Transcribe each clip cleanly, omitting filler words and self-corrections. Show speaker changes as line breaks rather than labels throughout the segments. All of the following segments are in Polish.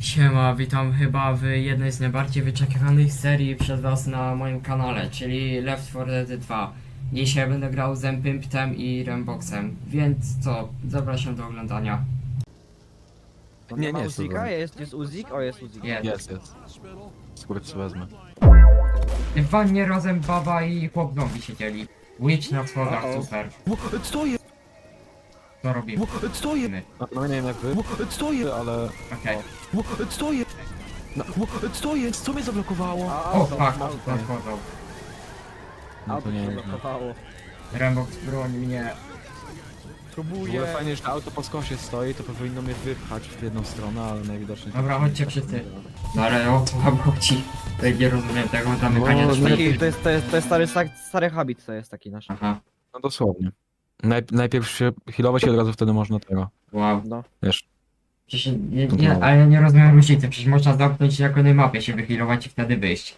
Siema, witam chyba w jednej z najbardziej wyczekiwanych serii przez was na moim kanale, czyli Left 4 Dead 2. Dzisiaj będę grał z Empimptem i Ramboxem, więc co, zapraszam do oglądania.
Nie
ma
jest to
Uzika?
złe.
Jest Uzik? O, jest Uzik.
Jest.
Skóry co wezmę.
W wannie razem baba i chłop zombie siedzieli. Witch na schodach,
Uh-oh.
super.
Stoję!
Co robimy?
Stoję! No nie wiem jak wy. Stoję, ale...
Okej.
Stoję! Stoję! Co mnie zablokowało?
O, fuck, nadchodzą.
No
Auto
to nie
się
jest.
blokowało.
Rambox broni mnie.
W ogóle fajnie, że auto po skosie stoi, to powinno mnie wypchać w jedną stronę, ale najwidoczniej...
Dobra, chodźcie wszyscy. No ale o co wam chodzi? To nie rozumiem tego zamykania
No,
drzwi.
To jest stary habit, to jest taki nasz.
Aha,
No dosłownie. Najpierw się healować i od razu wtedy można tego.
wow.
No.
Wiesz.
Przecież ale ja nie rozumiem różnicy, przecież można zamknąć się jako na mapie, się wyhealować i wtedy wyjść.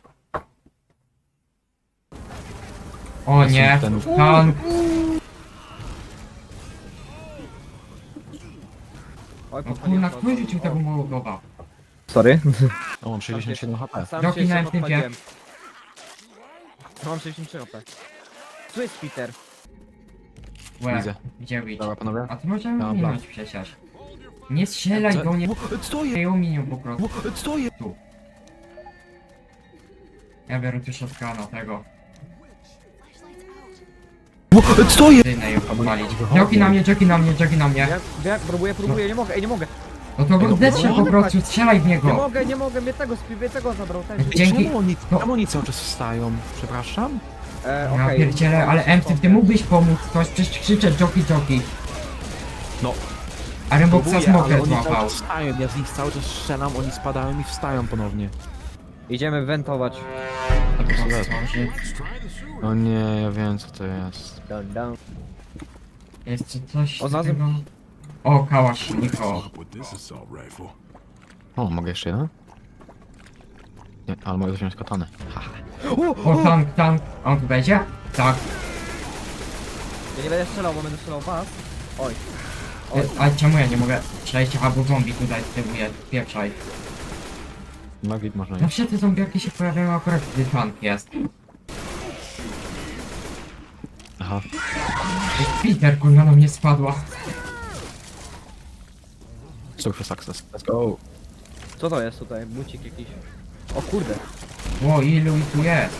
O nie,
Ten...
tank!
Oj,
No kurna, kto rzucił tego Mołotowa?
Sorry.
O, mam 67 HP.
Sam
Doki
się
na
sam
Emptypie.
odpaliłem. Mam 63 HP. Tu jest Peter.
Łe,
Widzę.
gdzie wyjść?
Dobra panowie.
A ty możemy
Ja mam
minąć przecież. Nie strzelaj do mnie,
Stoję!
ją minią po prostu.
Stoję!
Ja biorę tu shotguna tego.
Stoję!
Dynę ją podpalić. Joki na mnie, joki na mnie, joki na mnie.
Ja próbuję, nie mogę, nie mogę.
No to go zdecz się po prostu, strzelaj w
Nie
niego.
mogę, mnie tego zabrał, ten.
Dzięki.
Czemu oni cały czas wstają? Przepraszam?
Ja
Okej.
pierdzielę, ale Empty, ty mógłbyś pomóc coś, przecież krzyczę joki.
No.
A Ramboxa
Próbuję, ale
smoker
oni cały
złapał.
czas wstają, ja z nich cały czas strzelam, oni spadają i wstają ponownie.
Idziemy wentować.
O nie, ja wiem co to jest.
Down.
Jeszcze coś
O,
z
znalazłem-
tego... O, Kałaszniko.
With this assault rifle.
O, mogę jeszcze jeden? Nie, ale mogę wziąć katanę. Haha.
O, tank. A on tu będzie? Tak.
Ja nie będę strzelał, bo będę strzelał w was. Oj.
A czemu ja nie mogę przejść? Aha, bo zombie tutaj stymuje. Pieprzaj.
No git można iść.
Zawsze te zombiaki się pojawiają akurat, gdy tank jest.
Aha.
Peter, kurwa, na mnie spadła.
Success, success. Let's go.
Co to jest tutaj? Bucik jakiś. O kurde.
O, ilu ich tu jest?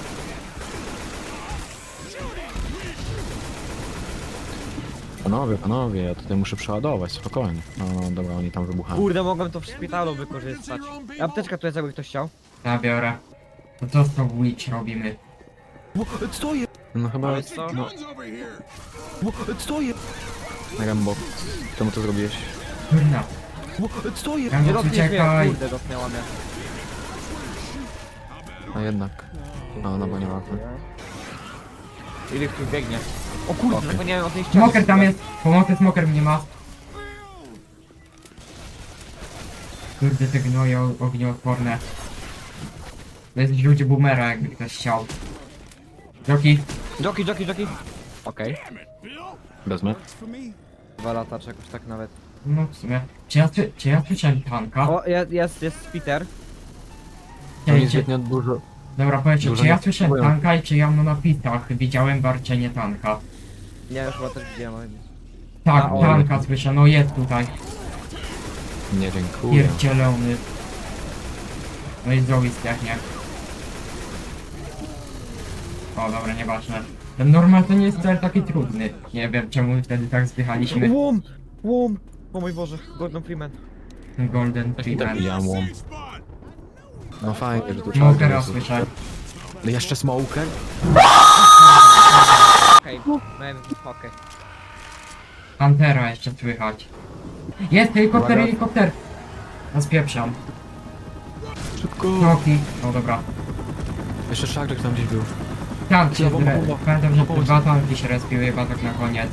Panowie, ja tutaj muszę przeładować, spokojnie. No dobra, oni tam wybuchają.
Kurde, mogłem to w szpitalu wykorzystać. Apteczka tu jest, jakby ktoś chciał.
Zabiorę. To co z tą Witch robimy?
Stoję! No chyba...
Ale co?
No,
Guns over here.
stoję! Rambo, czemu to zrobiłeś?
Kurna.
Stoję!
Nie
Rambo,
dotkniesz mnie,
uciekaj.
kurde, dotknęła mnie.
A jednak. No bo nie ma.
Ile tu biegnie. O kurde,
Okej.
zapomniałem o tej ścianie.
Smoker tam jest. Pomocy, smoker mnie ma. Kurde, te gnoje ognioodporne. To jest ludzie boomera, jakby ktoś chciał. Joki.
Joki. Okej.
Wezmę.
For me.
2 lata, czy jakoś tak nawet.
No w sumie. Czy ja słyszałem tanka?
O, jest Peter.
To nie
Czy,
zbytnio dużo.
dobra, powiedzcie,
dużo
czy ja
nie
słyszałem
potrzebują.
tanka i czy ja na napisach widziałem warczenie tanka?
Nie, już chyba też widziałem. ale-
Tak,
A, o,
tanka słyszę, no jest tutaj.
Nie, dziękuję.
Pierdzielony. No i zdrowi zdechnie. O, dobra, nieważne. Ten normal to nie jest wcale taki trudny. Nie wiem czemu wtedy tak zdychaliśmy.
Łom! O mój Boże, Gordon Freeman.
Golden
Tak i tak
Freeman.
widziałem łom.
Safe spot.
No fajnie, że tu
Smokera słyszę.
No jeszcze smoker?
Okej, okej.
Pantera jeszcze słychać. Jest helikopter,
Uwaga.
helikopter! No spieprzam.
Szybko!
Kroki. No dobra.
Jeszcze szarżek tam gdzieś był.
Tank się
Bomba, bomba.
pamiętam, że
Bomba.
dwa tanki się respiły chyba tak na koniec.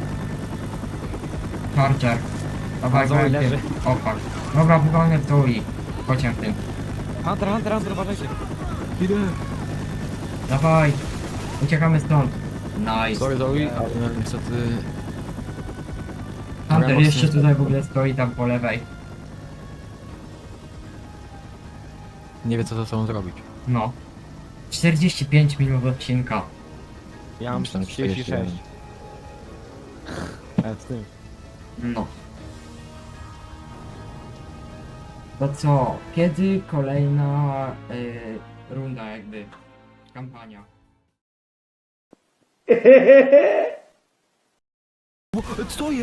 Charger. Dawaj,
Zoe
go,
leży.
O fuck. Dobra, wywalnę w dół i pociąg tym.
Hunter, uważajcie.
Idę!
Dawaj. Uciekamy stąd. Nice.
Sorry, ale niestety...
Hunter
Rambo
jeszcze
stąd.
tutaj w ogóle stoi tam po lewej.
Nie wie co ze sobą zrobić.
No. 45 minut odcinka.
Ja mam
Myślałem,
36. Z tym.
No. To co? Kiedy kolejna runda jakby? Kampania.
Co jest?